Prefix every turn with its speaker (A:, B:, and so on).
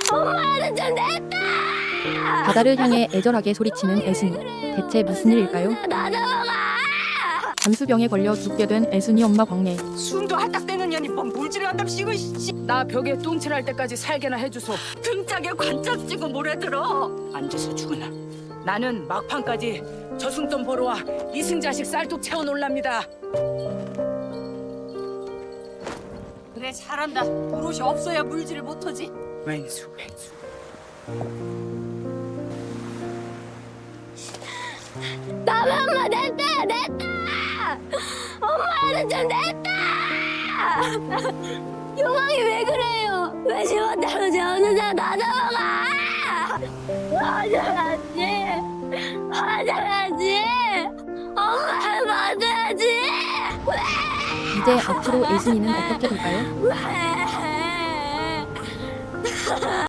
A: 엄마는 좀 냈다.
B: 바다를 향해 애절하게 소리치는 애순이. 대체 무슨 일일까요?
A: 나 넘어가.
B: 잠수병에 걸려 죽게 된 애순이 엄마 광래.
C: 숨도 할딱대는 년이 뭔 물질을 한답시고
D: 나 벽에 똥칠할 때까지 살게나 해주소.
C: 등짝에 관짝 쥐고 몰아들어.
D: 앉아서 죽으나. 나는 막판까지 저승돈 보러 와 이승자식 쌀뚝 채워놓을랍니다.
C: 그래 잘한다. 버릇이 없어야 물질을 못하지.
D: 왼수 왼수.
A: 나만 엄마 냈다. 엄마는 좀 냈다. 용왕이 왜 그래요? 왜 지원대로 재우는데 나 넘어가. 화장하지. 엄마를 맞아야지.
B: 이제 앞으로 애순이는 어떻게 될까요?
A: 왜?